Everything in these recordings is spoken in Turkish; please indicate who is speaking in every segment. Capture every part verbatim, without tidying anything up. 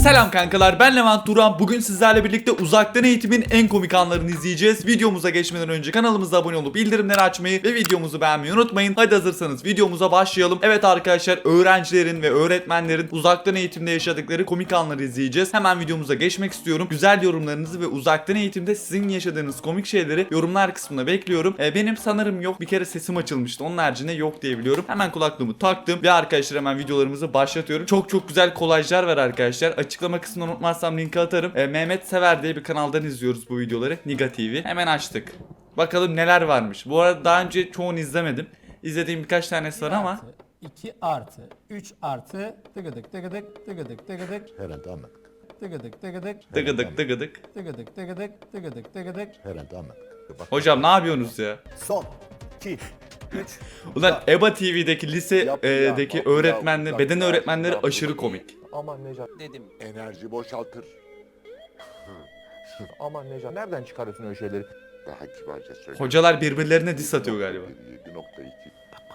Speaker 1: Selam kankalar, ben Levent Duran. Bugün sizlerle birlikte uzaktan eğitimin en komik anlarını izleyeceğiz. Videomuza geçmeden önce kanalımıza abone olup bildirimleri açmayı ve videomuzu beğenmeyi unutmayın. Hadi hazırsanız videomuza başlayalım. Evet arkadaşlar, öğrencilerin ve öğretmenlerin uzaktan eğitimde yaşadıkları komik anları izleyeceğiz. Hemen videomuza geçmek istiyorum. Güzel yorumlarınızı ve uzaktan eğitimde sizin yaşadığınız komik şeyleri yorumlar kısmına bekliyorum. Ee, benim sanırım yok. Bir kere sesim açılmıştı. Onun haricinde yok diye biliyorum. Hemen kulaklığımı taktım ve arkadaşlar hemen videolarımızı başlatıyorum. Çok çok güzel kolajlar var arkadaşlar. Açıklama kısmına unutmazsam linki atarım. Ee, Mehmet Sever diye bir kanaldan izliyoruz bu videoları. Niga T V. Hemen açtık. Bakalım neler varmış. Bu arada daha önce çoğunu izlemedim. İzlediğim birkaç tanesi var ama.
Speaker 2: iki artı, üç artı, tıgıdık tıgıdık, tıgıdık tıgıdık,
Speaker 3: Herhalde anladık.
Speaker 2: tıgıdık tıgıdık,
Speaker 1: Tıgıdık tıgıdık.
Speaker 2: tıgıdık tıgıdık, tıgıdık tıgıdık.
Speaker 3: Herhalde anladık. Bak,
Speaker 1: Hocam ne yapıyorsunuz ya?
Speaker 3: son iki üç
Speaker 1: Ulan EBA T V'deki lisedeki
Speaker 3: Yap, yap,
Speaker 1: öğretmenler,
Speaker 3: yap,
Speaker 1: beden
Speaker 3: yap,
Speaker 1: öğretmenleri
Speaker 3: yap,
Speaker 1: aşırı
Speaker 3: yap.
Speaker 1: komik.
Speaker 4: Aman Necat
Speaker 5: dedim.
Speaker 3: enerji boşaltır.
Speaker 4: aman Necat nereden çıkarıyorsun öyle şeyleri?
Speaker 3: Daha kibarca söyle.
Speaker 1: Hocalar birbirlerine diss atıyor galiba.
Speaker 3: yedi nokta iki.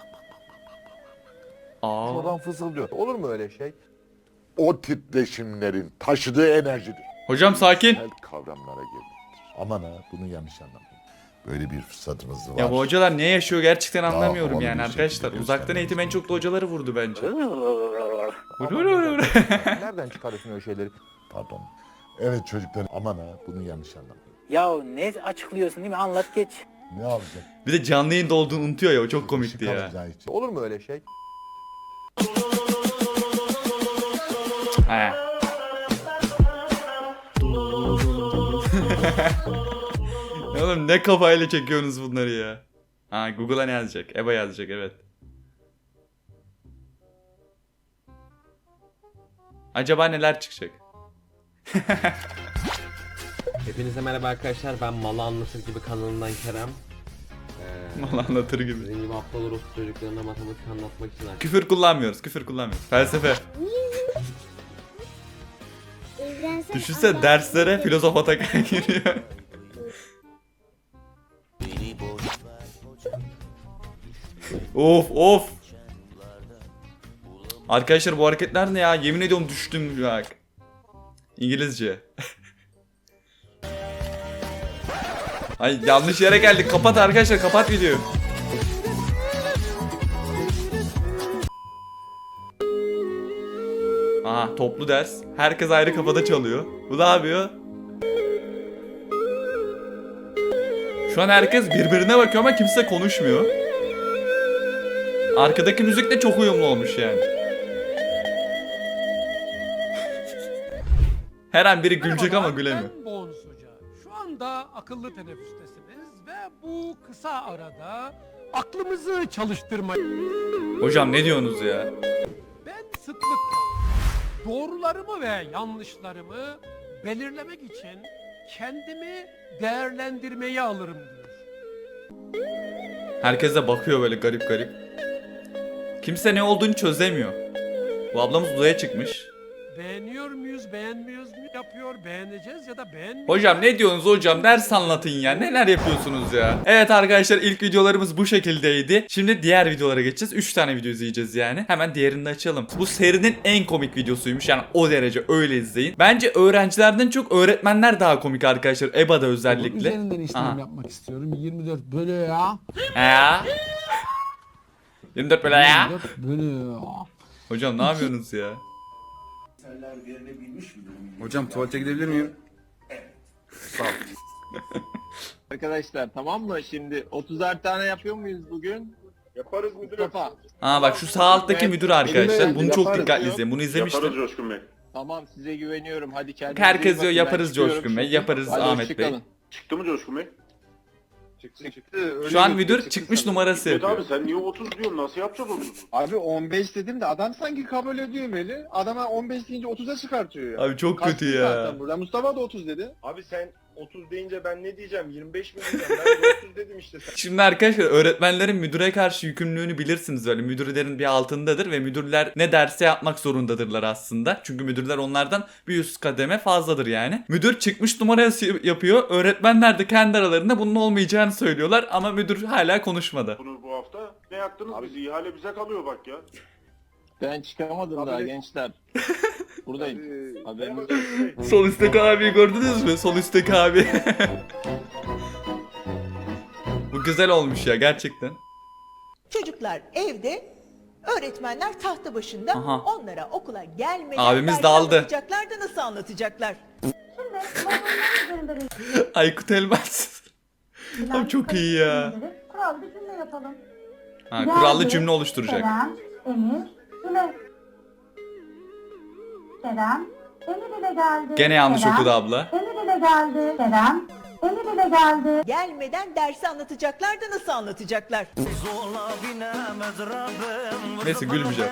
Speaker 1: Aa.
Speaker 4: Şuradan fısıldıyor. Olur mu öyle şey?
Speaker 3: O titreşimlerin taşıdığı enerjidir.
Speaker 1: Hocam sakin.
Speaker 3: Temel kavramlara gelinir. Aman ha, bunu yanlış anlamayın. Böyle bir fırsatımız var.
Speaker 1: Ya bu hocalar ne yaşıyor gerçekten
Speaker 3: Daha
Speaker 1: anlamıyorum
Speaker 3: havalı
Speaker 1: yani
Speaker 3: bir
Speaker 1: arkadaşlar.
Speaker 3: şekilde
Speaker 1: Uzaktan
Speaker 3: göstermemiz
Speaker 1: eğitim en çok da hocaları vurdu bence.
Speaker 4: Aman Necat, nereden çıkarıyorsun öyle şeyleri?
Speaker 3: Pardon. Evet çocuklar, aman ha, bunu yanlış anlamayın.
Speaker 5: Ya ne açıklıyorsun değil mi? Anlat geç.
Speaker 3: Ne alacak?
Speaker 1: Bir de canlı yayında olduğunu unutuyor ya, o çok komikti
Speaker 3: Işık
Speaker 1: ya.
Speaker 3: alacağı için.
Speaker 4: Olur mu öyle şey?
Speaker 1: He. Ya oğlum ne kafayla çekiyorsunuz bunları ya? Ha, Google'a ne yazacak? EBA yazacak, evet. Acaba neler çıkacak?
Speaker 6: Hepinize merhaba arkadaşlar, ben Malı Anlatır Gibi kanalından Kerem. Ee,
Speaker 1: Mal anlatır gibi.
Speaker 6: Sizin gibi aptal orospu çocuklarına matematik anlatmak için arkadaşlar.
Speaker 1: Küfür kullanmıyoruz, küfür kullanmıyoruz. Felsefe. Düşünsene derslere filozof Atakan giriyor. Of of. Arkadaşlar bu hareketler ne ya? Yemin ediyorum düştüm bak. İngilizce. Ay yanlış yere geldik. Kapat arkadaşlar, kapat videoyu. Aha, toplu ders. Herkes ayrı kafada çalıyor. Bu ne yapıyor? Şu an herkes birbirine bakıyor ama kimse konuşmuyor. Arkadaki müzik de çok uyumlu olmuş yani. Her an biri gülecek ama gülemiyor.
Speaker 7: Ben Bonus Hoca. Şu anda akıllı teneffüstesiniz ve bu kısa arada aklımızı çalıştırmayı...
Speaker 1: Hocam ne diyorsunuz ya?
Speaker 7: Ben sıklıkla doğrularımı ve yanlışlarımı belirlemek için kendimi değerlendirmeye alırım diyor.
Speaker 1: Herkes de bakıyor böyle garip garip. Kimse ne olduğunu çözemiyor. Bu ablamız uzaya çıkmış.
Speaker 7: Beğeniyor muyuz, beğenmiyoruz mu yapıyor, beğeneceğiz ya da beğenmeyeceğiz.
Speaker 1: Hocam ne diyorsunuz hocam? Ders anlatın ya. Neler yapıyorsunuz ya? Evet arkadaşlar, ilk videolarımız bu şekildeydi. Şimdi diğer videolara geçeceğiz. üç tane video izleyeceğiz yani. Hemen diğerini de açalım. Bu serinin en komik videosuymuş. Yani o derece, öyle izleyin. Bence öğrencilerden çok öğretmenler daha komik arkadaşlar. EBA'da özellikle.
Speaker 8: Üzerinden işlem
Speaker 1: Aha.
Speaker 8: yapmak istiyorum. yirmi dört bölü ya.
Speaker 1: Ya. yirmi dört böyle ya.
Speaker 8: yirmi dört bölü ya.
Speaker 1: Hocam ne yapıyorsunuz ya?
Speaker 9: Hocam tuvalete gidebilir miyim?
Speaker 10: Arkadaşlar tamam mı? Şimdi otuzar tane yapıyor muyuz bugün?
Speaker 9: Yaparız müdürüm.
Speaker 10: Mustafa.
Speaker 1: Aa bak şu sağ alttaki müdür arkadaşlar.
Speaker 9: Elime
Speaker 1: Bunu çok
Speaker 9: yaparız
Speaker 1: dikkatli
Speaker 9: diyor.
Speaker 1: izleyin. Bunu izlemiştim.
Speaker 9: Yaparız Coşkun Bey.
Speaker 10: Tamam size güveniyorum. Hadi kendinize
Speaker 1: Herkes
Speaker 10: iyi
Speaker 1: diyor
Speaker 10: bakın. Ben
Speaker 1: yaparız
Speaker 10: çıkıyorum
Speaker 1: Coşkun Bey.
Speaker 10: şimdi.
Speaker 1: Yaparız
Speaker 10: Hadi
Speaker 1: Ahmet Bey.
Speaker 10: hoşçakalın.
Speaker 9: Çıktı mı Coşkun Bey? Çıktı. Çıktı.
Speaker 1: Şu an müdür çıkmış numarası
Speaker 9: Evet
Speaker 1: yapıyor.
Speaker 9: abi sen niye otuz diyorsun? Nasıl yapacağız otuz?
Speaker 10: Abi on beş dedim de adam sanki kabul ediyor Meli. Adama on beş deyince otuza çıkartıyor ya.
Speaker 1: Abi çok
Speaker 10: Kaçtı
Speaker 1: kötü ya.
Speaker 10: zaten burada. Mustafa da otuz dedi.
Speaker 9: Abi sen otuz deyince ben ne diyeceğim? yirmi beş mi diyeceğim? Ben de otuz dedim işte sen.
Speaker 1: Şimdi arkadaşlar öğretmenlerin müdüre karşı yükümlülüğünü bilirsiniz böyle. Müdürlerin bir altındadır ve müdürler ne derse yapmak zorundadırlar aslında. Çünkü müdürler onlardan bir üst kademe fazladır yani. Müdür çıkmış numarası yapıyor. Öğretmenler de kendi aralarında bunun olmayacağını söylüyorlar ama müdür hala konuşmadı.
Speaker 9: Bunu bu hafta ne yaktınız bizi? İhale bize kalıyor bak ya.
Speaker 10: Ben çıkamadım
Speaker 9: Abi
Speaker 10: daha
Speaker 9: ne-
Speaker 10: gençler. Buradayım.
Speaker 9: Ee,
Speaker 10: Haberiniz
Speaker 9: merhaba Bey.
Speaker 1: Sol üstteki abiyi gördünüz mü? Sol üstteki abi. Bu güzel olmuş ya gerçekten.
Speaker 11: Çocuklar evde, öğretmenler tahta başında.
Speaker 1: Aha.
Speaker 11: Onlara okula gelmeden
Speaker 1: Abimiz
Speaker 11: dersi
Speaker 1: dağıldı.
Speaker 11: anlatacaklar da nasıl anlatacaklar?
Speaker 1: Aykut Elmas. Abi çok iyi ya.
Speaker 12: Kurallı cümle yapalım.
Speaker 1: Ha, kurallı cümle oluşturacak.
Speaker 12: Kerem, Emir, Güle. Kerem, Emir ile geldi.
Speaker 1: Gene yanlış
Speaker 12: Kerem,
Speaker 1: okudu abla.
Speaker 12: Emir ile geldi. Kerem, Emir ile geldi.
Speaker 11: Gelmeden dersi anlatacaklar da nasıl anlatacaklar?
Speaker 1: Neyse gülmeyeceğim.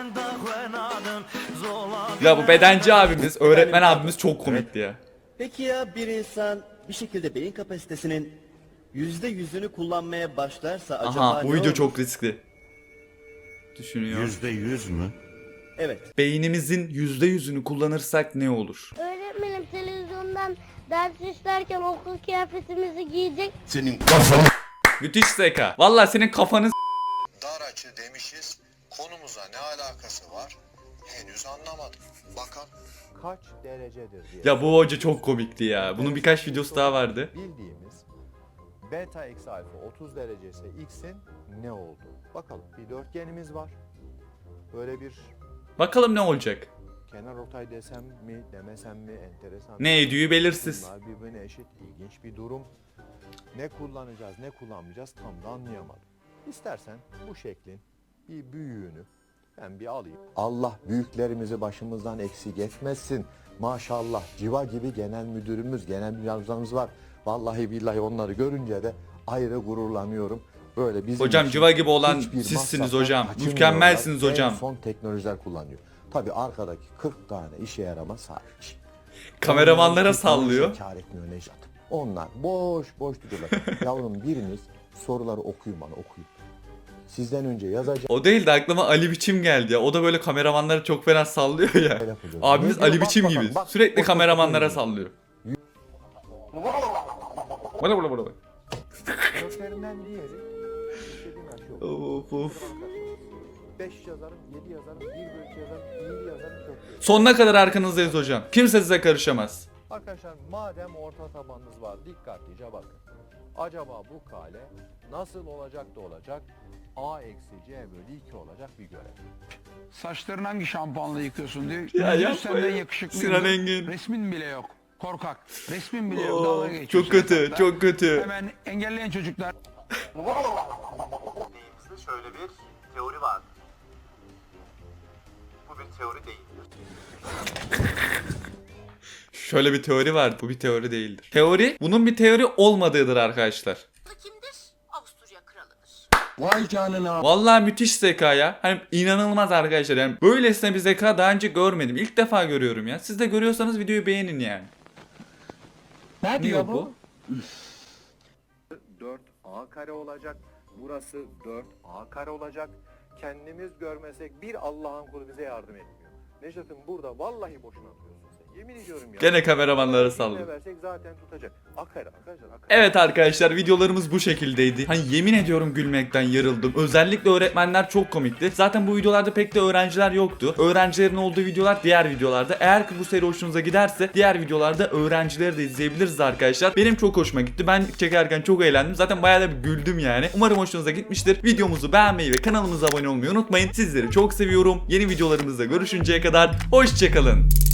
Speaker 1: Ya bu bedenci abimiz, öğretmen abimiz çok komikti ya.
Speaker 13: Peki ya bir insan bir şekilde beyin kapasitesinin yüzde yüzünü kullanmaya başlarsa acaba
Speaker 1: Aha bu
Speaker 13: ne
Speaker 1: video
Speaker 13: olur?
Speaker 1: çok riskli. Düşünüyor.
Speaker 3: Yüzde yüz mü?
Speaker 13: Evet.
Speaker 1: Beynimizin yüzde yüzünü kullanırsak ne olur?
Speaker 12: Öğretmenim televizyondan ders işlerken okul kıyafetimizi giyecek.
Speaker 3: Senin kafanı.
Speaker 1: Müthiş zeka. Vallahi senin kafanı s-
Speaker 3: Dar açı demişiz. Konumuza ne alakası var? Henüz anlamadım. Bakalım.
Speaker 4: Kaç derecedir diye.
Speaker 1: Ya bu hoca çok komikti ya. Bunun birkaç videosu daha vardı.
Speaker 4: Bildiğimiz beta eksi alfa otuz derece ise x'in ne oldu? Bakalım bir dörtgenimiz var. Böyle bir
Speaker 1: Bakalım ne olacak?
Speaker 4: kenar ortay desem mi demesem mi enteresan.
Speaker 1: Ne ediyor belirsiz.
Speaker 4: Bunlar birbirine eşit ilginç bir durum. Ne kullanacağız ne kullanmayacağız tam da anlayamadım. İstersen bu şeklin bir büyüğünü ben bir alayım. Allah büyüklerimizi başımızdan eksik etmesin. Maşallah civa gibi genel müdürümüz, genel müdürümüz var. Vallahi billahi onları görünce de ayrı gururlanıyorum. Böyle bizim
Speaker 1: Hocam
Speaker 4: için
Speaker 1: civa gibi olan
Speaker 4: hiçbir
Speaker 1: sizsiniz
Speaker 4: masraftan
Speaker 1: hocam.
Speaker 4: kaçınmıyorlar.
Speaker 1: Mükemmelsiniz hocam.
Speaker 4: En son teknolojiler kullanıyor. Tabii arkadaki kırk tane işe yaramaz hariç.
Speaker 1: Kameramanlara
Speaker 4: Onlar
Speaker 1: sallıyor.
Speaker 4: hiç kâr etmiyor Nejat. Onlar boş boş duruyorlar. Yavrum biriniz soruları okuyun bana okuyun. Sizden önce yazacak.
Speaker 1: O değil de aklıma Ali Biçim geldi ya. O da böyle kameramanları çok fena sallıyor ya. Abimiz
Speaker 4: Ne diyor?
Speaker 1: Ali
Speaker 4: Bak
Speaker 1: Biçim
Speaker 4: bakalım,
Speaker 1: gibi.
Speaker 4: bak.
Speaker 1: Sürekli
Speaker 4: Otur,
Speaker 1: kameramanlara
Speaker 4: otur.
Speaker 1: sallıyor. Bana bana bana.
Speaker 4: Köklerinden diğeri istediğin aşı yok.
Speaker 1: Of of.
Speaker 4: beş yazarım, yedi yazarım, bir bölü yazarım, iyi yazarım, kökleri.
Speaker 1: Sonuna kadar arkanızdayız hocam. Kimse size karışamaz.
Speaker 4: Arkadaşlar madem orta tabanınız var dikkatlice bakın. Acaba bu kale nasıl olacak da olacak? A eksi C bölü iki olacak bir görev.
Speaker 7: Saçlarını hangi şampuanla yıkıyorsun diyor.
Speaker 1: Ya
Speaker 7: Yüzün
Speaker 1: yapma
Speaker 7: senden
Speaker 1: ya.
Speaker 7: yakışıklıyım
Speaker 1: Sinan
Speaker 7: diyor.
Speaker 1: Engin.
Speaker 7: Resmin bile yok. Korkak. Resmin bile yok.
Speaker 1: Oo,
Speaker 7: Dalga geçiyorsun
Speaker 1: çok kötü,
Speaker 7: yatakta.
Speaker 1: çok kötü.
Speaker 7: Hemen engelleyen çocuklar.
Speaker 13: Elimizde şöyle bir teori var. Bu bir teori değildir.
Speaker 1: Şöyle bir teori var. Bu bir teori değildir. Teori bunun bir teori olmadığıdır arkadaşlar.
Speaker 12: Kimdir? Avusturya kralıdır.
Speaker 8: Vay canına.
Speaker 1: Vallahi müthiş zeka ya. Hani inanılmaz arkadaşlar. Yani böylesine bir zeka daha önce görmedim. İlk defa görüyorum ya. Siz de görüyorsanız videoyu beğenin yani.
Speaker 8: Ne diyor bu?
Speaker 4: dört A kare olacak. Burası dört A kare olacak. Kendimiz görmesek bir Allah'ın kulu bize yardım etmiyor. Necdet'im burada vallahi boşuna atıyorsun sen. Yemin ediyorum ya.
Speaker 1: Gene kameramanlara
Speaker 4: Ne
Speaker 1: sallıyor.
Speaker 4: versek zaten tutacak. A kare arkadaşlar A kare.
Speaker 1: Evet arkadaşlar videolarımız bu şekildeydi. Hani yemin ediyorum gülmekten yarıldım. Özellikle öğretmenler çok komikti. Zaten bu videolarda pek de öğrenciler yoktu. Öğrencilerin olduğu videolar diğer videolarda. Eğer ki bu seri hoşunuza giderse diğer videolarda öğrencileri de izleyebiliriz arkadaşlar. Benim çok hoşuma gitti. Ben çekerken çok eğlendim. Zaten bayağı da bir güldüm yani. Umarım hoşunuza gitmiştir. Videomuzu beğenmeyi ve kanalımıza abone olmayı unutmayın. Sizleri çok seviyorum. Yeni videolarımızda görüşünceye kadar hoşçakalın.